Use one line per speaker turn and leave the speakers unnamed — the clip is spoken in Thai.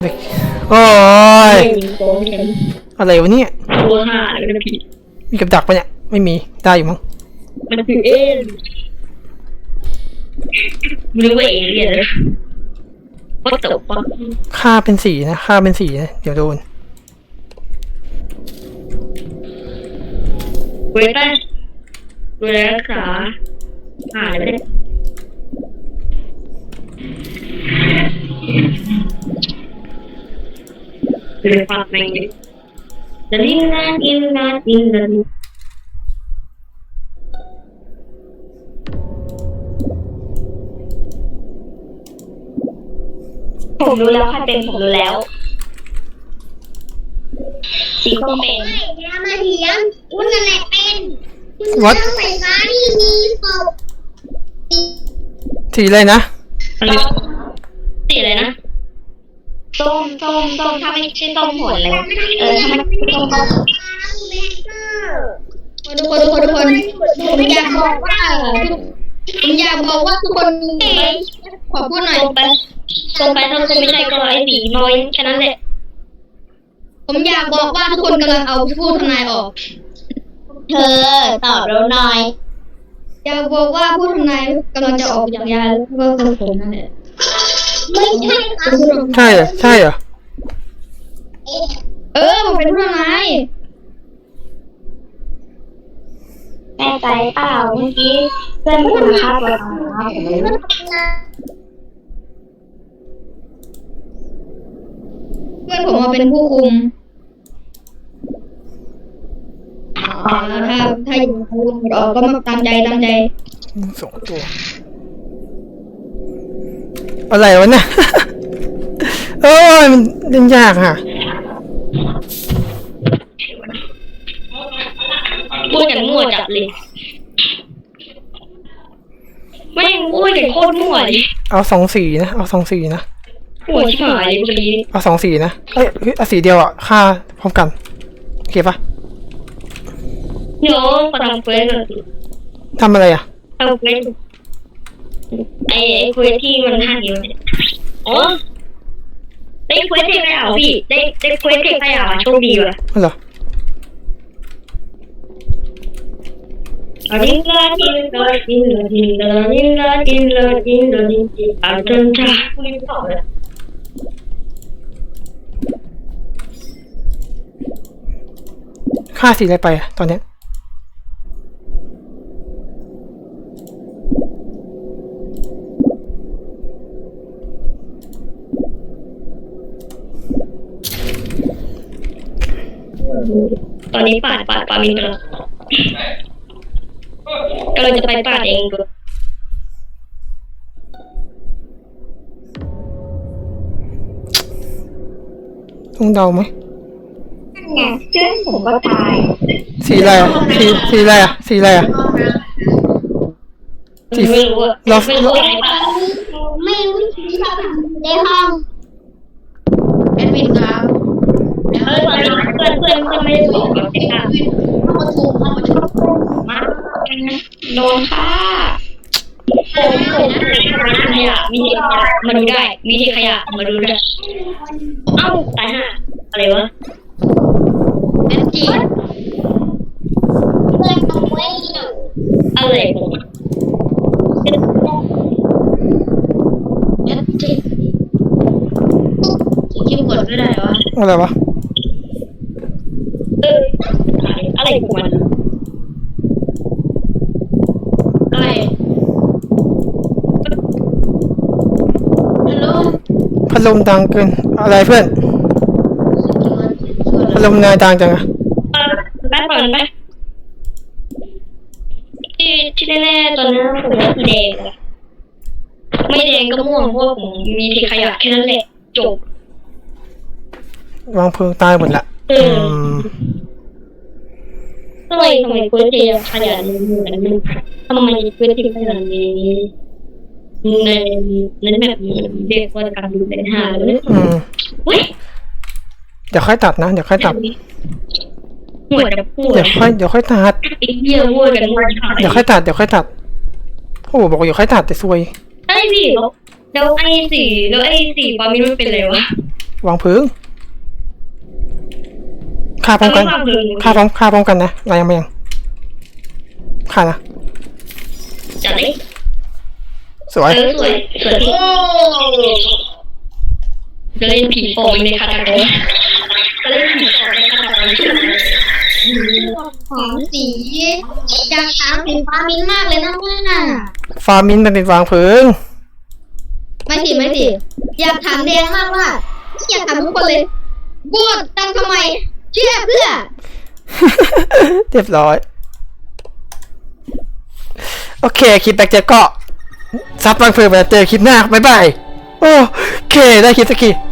โอ้ย
โกงกัน
อะไรวะเนี่ย
ตัวห่าเลยนะพี่
มีกับดักปะเนี่ยไม่มีได้อยู่มั้ง
มันคือเอ็นไม่รู้ว่าเอเลี่ยนเลยว่าตกปะ
ค่าเป็นสีนะค่าเป็นสีนะเดี๋ยวโดน
เว้ยแต่ดูแลรักษาหายไปเลยเลยฝากแม่งดิจะดิ้นนะดิ้นนะดิ้นนะผมรู้แล้วใครเป็นผมรู้แล้วสีส้มเป็น
ไม่อย่ามาเถียงคุณนั่นแหละเป็นคุณ
What?
เรื่องไฟฟ้าที่มีศพ
สีอะไรนะ
สีอะไรนะส้มถ้าไม่ใช่ส้มผลเลยถ้ามันส้ม
ทุกคนผมอยากบอกว่าทุกคนขอพูดหน่อย
ตรงไปถ้าคุณไม่ใช่ก็ไอ้สีน้อยแค่นั้นแหละ
ผมอยากบอกว่าทุกคนกำลังเอาผู้ทำนายออก
เธอตอบเราหน่อย
อยากบอกว่าผู้ทำนายกำลังจะออกจากยาแล้วก็คือผมนั่นแหละไม่ใช่ครับ
ใช่เหรอใช่เหรอ
ผมเป็นผู้ทำนาย
แน่ใจเปล่าเมื่อกี้เพื่อนคุณฆ่าตัวตายผมเลย
เพื่อนผมมาเป็นผู้คุมถ้าอยู่ออกก็มาตามใจ
สองตัวอะไรวะเนี่ย โอ้ยมันเล่นยากค่ะ
พูดอย่างมั่วจัดเลยแม่งพูดอย่างโคตรมั่วเลย
เอาสองสีนะเอาสองสีนะ
หัวชิบหายเลยเมื่อกี้
เอาสองสีนะเอ้ยเอาสีเดียวอ่ะค่าพร้อมกันโอเคปะ
เดี๋ยวขอทำเควส
ทำอะไรอ่ะ
ทำเควสไอ้เควสที่มันห้านิ้วเนี่ยอ๋อได้เควสเทพไปอ่ะพี่ได้เควสเทพไปอ่ะโชคดีว่ะ
อ๋อเหรอ
ดิ้นละดิ้นละดิ้นละดิ้นละดิ้นละดิ้นละดิ้นละดิ้นละจนจ้าไม่ตอบเลย
ค่าสีอะไรไปอะตอนเนี้ย
ตอนนี้ปาดมีกำลังจะไปปาดเองดู
ต้องเดาไหม
เนี่ยเพื่อนผมก็ตาย
สีอะไรอ่ะสีอะไรอ่ะสีอะไรอ่ะ
ไม่รู้อะไม่รู้อะไรปะ
ไม่รู้ที่ชอบในห้องแอดมินครับ
ตอนนี้เพื่อนไม่ได้บอกเราแต่ค่ะมาโดนค่ะขยะมีที่ขยะมาดูได้มีที่ขยะมาดูได้เอ้าตายห่าอะไรวะ
แอดจี
เพื่อนต้องเว้ย
อะไรผม
แอดจีคิวกดไม่ได้วะ
อะไรวะ
อะไรของมัน
อะไรฮัลโหล
พัดลมดังเกินอะไรเพื่อนพัดลมนายดังจังอะ
แป๊บก่อนไหมที่แน่ๆตอนนั้นผมว่าสีแดงอะไม่แดงก็ม่วงเพราะผมมีที่ขยะแค่นั้นแหละจบ
วางเพลิงตายหมดละ ม
ทำไมเพื่อนที่ขยันมันทำไมเพื่อนที่ขยันนี้ในแบบนี้เรียกว่าการดูเป็นหาเลย เว้ย
เดี๋ยวค่อยตัดนะเดี๋ยวค่อยตัด
หัวจะพูด
เดี๋ยวค่อยตัด
ไอ้เหี้ยพูดกันหมด
เดี๋ยวค่อยตัดโอ้โหบอกว่าเดี๋ยวค่อยตัดแต่ซวย
ไอ้พี่แล้วไอ้สีปามินมันเป็นอะไรวะ
วางพึ่งฆ่าพร้อมกันฆ่าพร้อมกันนะอะไรยังไม่ยังฆ่านะ
จัดเลย
สวย
สวยพี่จะเล่นผีโป่งในคาถาโกจะเล่นผีโป่งในคาถาโก
ของสีอยากถามสีฟ้ามิ้นมากเลยนะว่า
ฟามินเป็นวางพึ่ง
ไม่สิอยากถามแดงมากว่าอยากถามทุกคนเลยโหวตตั้งทำไมเชื่อเพื่อ
เรียบร้อยโอเคคลิปแบกเจอก็ซับวางพึ่งไปเจอคลิปหน้าบ๊ายบายโอเคได้คลิปสักที